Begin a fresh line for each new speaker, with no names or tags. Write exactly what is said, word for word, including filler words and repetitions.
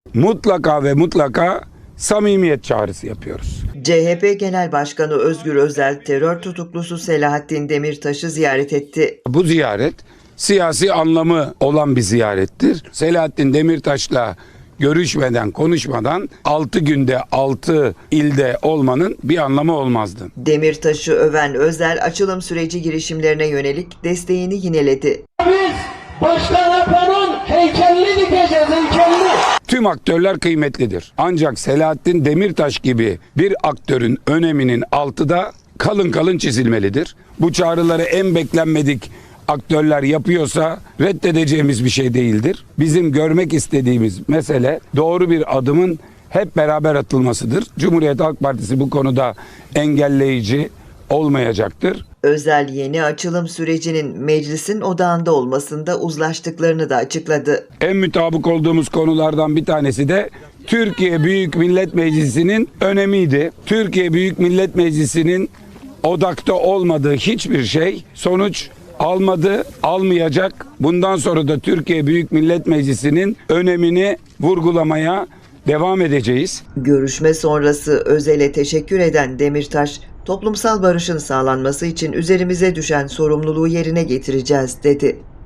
mutlaka ve mutlaka samimiyet çağrısı yapıyoruz.
C H P Genel Başkanı Özgür Özel, terör tutuklusu Selahattin Demirtaş'ı ziyaret etti.
Bu ziyaret siyasi anlamı olan bir ziyarettir. Selahattin Demirtaş'la görüşmeden, konuşmadan altı günde altı ilde olmanın bir anlamı olmazdı.
Demirtaş'ı öven Özel, açılım süreci girişimlerine yönelik desteğini yineledi.
Biz Başkan Apo'nun heykelini dikeceğiz, heykelini.
Tüm aktörler kıymetlidir. Ancak Selahattin Demirtaş gibi bir aktörün öneminin altı da kalın kalın çizilmelidir. Bu çağrıları en beklenmedik aktörler yapıyorsa reddedeceğimiz bir şey değildir. Bizim görmek istediğimiz mesele doğru bir adımın hep beraber atılmasıdır. Cumhuriyet Halk Partisi bu konuda engelleyici olmayacaktır.
Özel, yeni açılım sürecinin meclisin odağında olmasında uzlaştıklarını da açıkladı.
En mutabık olduğumuz konulardan bir tanesi de Türkiye Büyük Millet Meclisi'nin önemiydi. Türkiye Büyük Millet Meclisi'nin odakta olmadığı hiçbir şey sonuç almadı, almayacak. Bundan sonra da Türkiye Büyük Millet Meclisi'nin önemini vurgulamaya devam edeceğiz.
Görüşme sonrası Özel'e teşekkür eden Demirtaş, toplumsal barışın sağlanması için üzerimize düşen sorumluluğu yerine getireceğiz dedi.